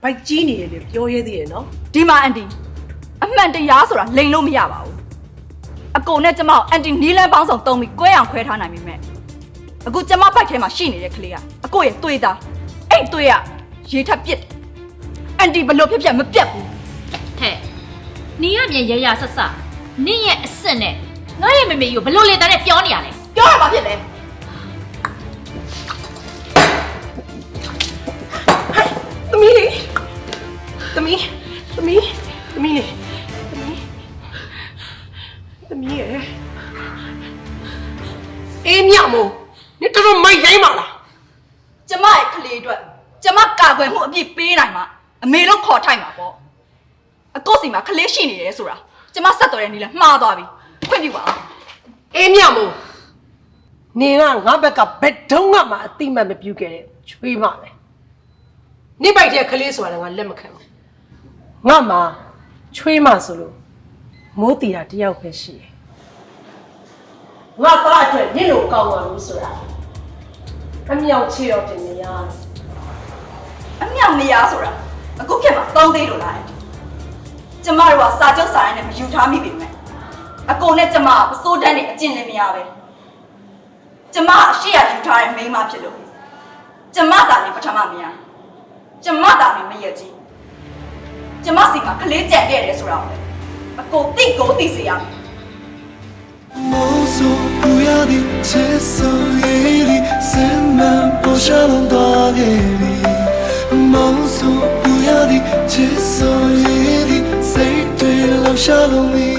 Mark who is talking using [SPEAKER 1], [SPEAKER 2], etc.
[SPEAKER 1] ဘိုက်ကြီးနေတယ်လေပြောရဲသေးတယ်နော်
[SPEAKER 2] ဒီမှာအန်တီအမှန်တရားဆိုတာလိန်လို့မရပါဘူးအကိုနဲ့ကျမကိုအန်တီနီးလန်းပေါင်းဆောင်တုံးပြီးကွဲအောင်ခွဲထားနိုင်ပြီမဲ့အခုကျမဘိုက်ထဲမှာရှိနေတဲ့ကလေးကအကိုရဲ့သွေးသားအဲ့သွေးကရေထပ်ပစ်အန်တီဘလို့ဖြစ်ဖြစ်မပြတ်ဘူး
[SPEAKER 3] ဟဲ့နီးရမြန်ရရဆက်ဆက်နင့်ရဲ့အစ်စ်နဲ့ငါရဲ့မေမေကြီးကိုဘလို့လေတန်းနဲ့ပြောနေရလဲ
[SPEAKER 2] ပြောရမှာဖြစ်တယ်
[SPEAKER 1] သမီးလေးသမီးလေးသမီးရယ်အေးမြမို့နေတော်မိုက်ရိုင်းပါလား
[SPEAKER 2] ကျမရဲ့ကလေးအတွက်ကျမကာကွယ်မှုအပြည့်ပေးနိုင်မှာအမေလို့ခေါ်ထိုက်မှာပေါ့အကိုစီမှာကလေးရှိနေတယ်ဆိုတာကျမဆက်တော်တဲ့နီးလဲမှားသွားပြီခွင့်ပြုပါအောင်
[SPEAKER 1] အေးမြမို့နေကငါဘက်ကဘယ်တုန်းကမှအတိမတ်မပြုတ်ခဲ့တဲ့ချွေးမပဲနေပိုက်တဲ့ကလေးဆိုတာငါလက်မခံဘူးငါမှချွေးမဆိုလို့မိုးတီတာတယောက်ပဲရှိတယ်ငါသားအတွက်နင့်လိုကောင်းပါလို့ဆိုတာအမြောက်ချေတော့တင်နေရတယ်
[SPEAKER 2] အမြောက်နေရဆိုတာအခုခေတ်မှာသုံးသေးလို့လားကျမတို့ကစာချုပ်စာရိုင်းနဲ့မယူထားမိပြီမဲ့အကုန်နဲ့ကျမကပစိုးတန်းနဲ့အကျင့်လည်းမရပဲကျမအရှိရယူထားတဲ့မိန်းမဖြစ်လို့ကျမသာနေပထမမရကျမသာနေမရကြီးကျမစီမှာကလေးကြက်ခဲ့တယ်ဆိုတာပဲအကုန်သိကိုသိစေရမယ်
[SPEAKER 4] 梦诉不要的接受夜里塞满不下冷多给你梦诉不要的接受夜里谁对留下了你